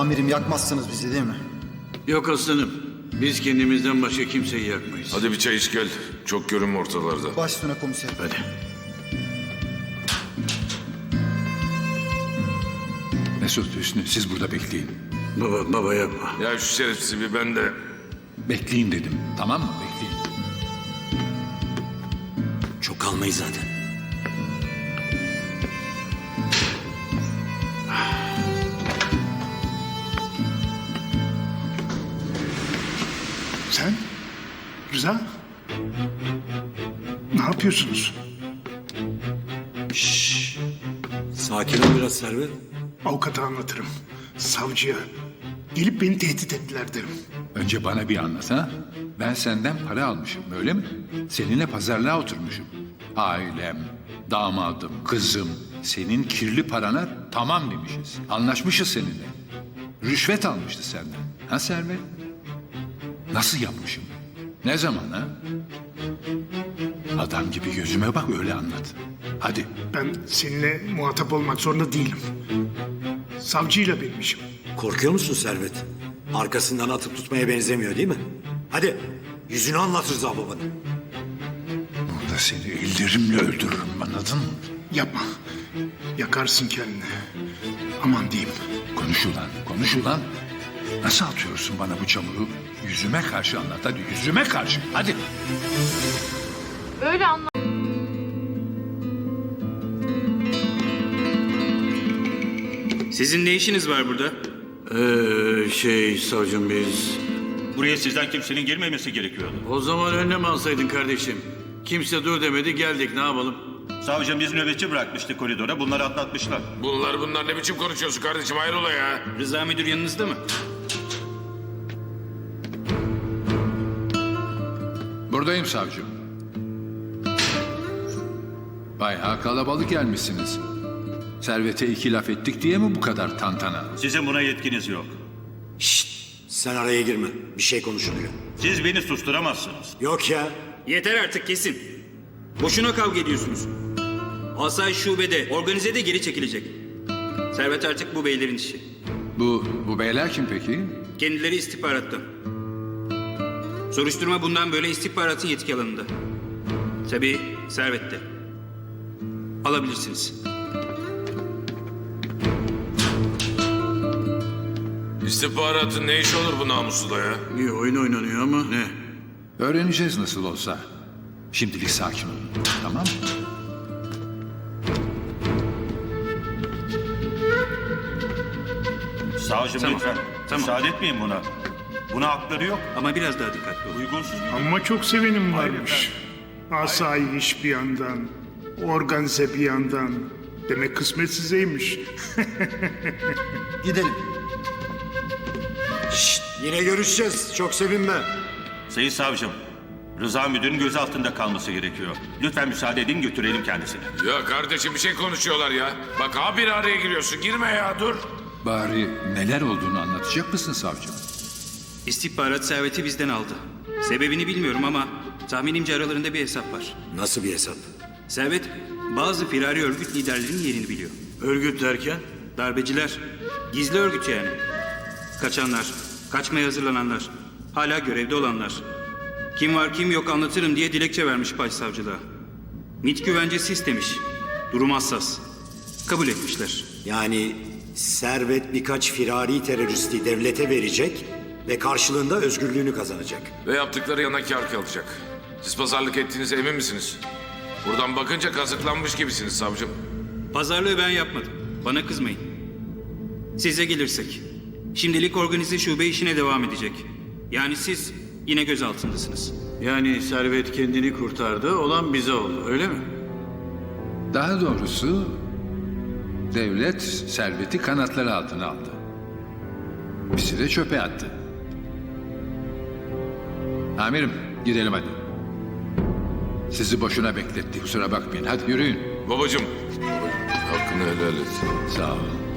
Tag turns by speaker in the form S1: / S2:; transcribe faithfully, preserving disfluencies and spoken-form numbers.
S1: Amirim yakmazsınız bizi değil mi?
S2: Yok aslanım. Biz kendimizden başka kimseyi yakmayız.
S3: Hadi bir çay iç gel. Çok görünme ortalarda.
S1: Baş üstüne komiserim.
S2: Hadi.
S4: Mesut, Hüsnü siz burada bekleyin.
S2: Baba, baba yapma.
S3: Ya şu şerefsizi bir ben de...
S4: Bekleyin dedim. Tamam mı? Bekleyin.
S5: Çok kalmayız zaten.
S6: Sen? Rıza? Ne yapıyorsunuz?
S5: Sakin ol biraz Servet.
S6: Avukata anlatırım. Savcıya. Gelip beni tehdit ettiler derim.
S4: Önce bana bir anlat ha. Ben senden para almışım öyle mi? Seninle pazarlığa oturmuşum. Ailem, damadım, kızım senin kirli parana tamam demişiz. Anlaşmışız seninle. Rüşvet almıştı senden. Ha Servet? Nasıl yapmışım? Ne zaman ha? Adam gibi gözüme bak öyle anlat. Hadi.
S6: Ben seninle muhatap olmak zorunda değilim. Savcıyla benim işim.
S5: Korkuyor musun Servet? Arkasından atıp tutmaya benzemiyor değil mi? Hadi yüzünü anlat Rıza babanın.
S4: Burada seni ellerimle öldürürüm anladın mı?
S6: Yapma. Yakarsın kendini. Aman diyeyim.
S4: Konuş ulan, konuş ulan. Nasıl atıyorsun bana bu çamuru? Yüzüme karşı anlat hadi, yüzüme karşı. Hadi.
S7: Öyle anla.
S8: Sizin ne işiniz var burada?
S2: Ee, şey savcım biz...
S9: Buraya sizden kimsenin girmemesi gerekiyordu.
S2: O zaman önlem alsaydın kardeşim. Kimse dur demedi geldik ne yapalım?
S9: Savcım biz nöbetçi bırakmıştı koridora. Bunları atlatmışlar.
S3: Bunlar bunlar ne biçim konuşuyorsun kardeşim hayrola ya?
S8: Rıza müdür yanınızda mı?
S4: Buradayım savcım. Bayağı kalabalık gelmişsiniz. Servete iki laf ettik diye mi bu kadar tantana?
S9: Sizin buna yetkiniz yok.
S5: Sen araya girme. Bir şey konuşuluyor.
S9: Siz beni susturamazsınız.
S5: Yok ya.
S8: Yeter artık kesin. Boşuna kavga ediyorsunuz. Asayiş şubede, organizede geri çekilecek. Servet artık bu beylerin işi.
S4: Bu, bu beyler kim peki?
S8: Kendileri istihbaratta. Soruşturma bundan böyle istihbaratın yetki alanında. Tabii Servet'te. Alabilirsiniz.
S3: İstihbaratın ne işi olur bu namussuda ya?
S2: Bir oyun oynanıyor ama ne?
S4: Öğreneceğiz nasıl olsa. Şimdilik sakin olun. Tamam mı?
S9: Savcım
S8: Tamam,
S9: lütfen.
S8: tamam.
S9: Müsaade etmeyin buna. Buna hakları yok.
S8: Ama biraz daha dikkatli olun.
S9: Uygunsuz bir...
S6: Ama çok sevenim varmış. Asayiş bir yandan, organize bir yandan. Demek kısmet sizeymiş.
S1: Gidelim.
S5: Yine görüşeceğiz. Çok sevinme.
S9: Sayın savcım, Rıza müdürün gözaltında kalması gerekiyor. Lütfen müsaade edin götürelim kendisini.
S3: Ya kardeşim bir şey konuşuyorlar ya. Bak abi araya giriyorsun girme ya dur.
S4: Bari neler olduğunu anlatacak mısın savcım?
S8: İstihbarat Servet'i bizden aldı. Sebebini bilmiyorum ama tahminimce aralarında bir hesap var.
S5: Nasıl bir hesap?
S8: Servet bazı firari örgüt liderlerinin yerini biliyor.
S2: Örgüt derken?
S8: Darbeciler, gizli örgüt yani. Kaçanlar, kaçmaya hazırlananlar, hala görevde olanlar. Kim var kim yok anlatırım diye dilekçe vermiş başsavcılığa. MİT güvencesi istemiş. Durum hassas. Kabul etmişler.
S5: Yani Servet birkaç firari teröristi devlete verecek ve karşılığında özgürlüğünü kazanacak.
S3: Ve yaptıkları yana kâr kalacak. Siz pazarlık ettiğinize emin misiniz? Buradan bakınca kazıklanmış gibisiniz savcım.
S8: Pazarlığı ben yapmadım. Bana kızmayın. Size gelirsek. Şimdilik organize şube işine devam edecek. Yani siz yine gözaltındasınız.
S2: Yani Servet kendini kurtardı olan bize oldu öyle mi?
S4: Daha doğrusu devlet serveti kanatları altına aldı. Bizi de çöpe attı. Amirim gidelim hadi. Sizi boşuna bekletti kusura bakmayın. Hadi yürüyün.
S3: Babacım. Hakkını helal et.
S4: Sağ olun.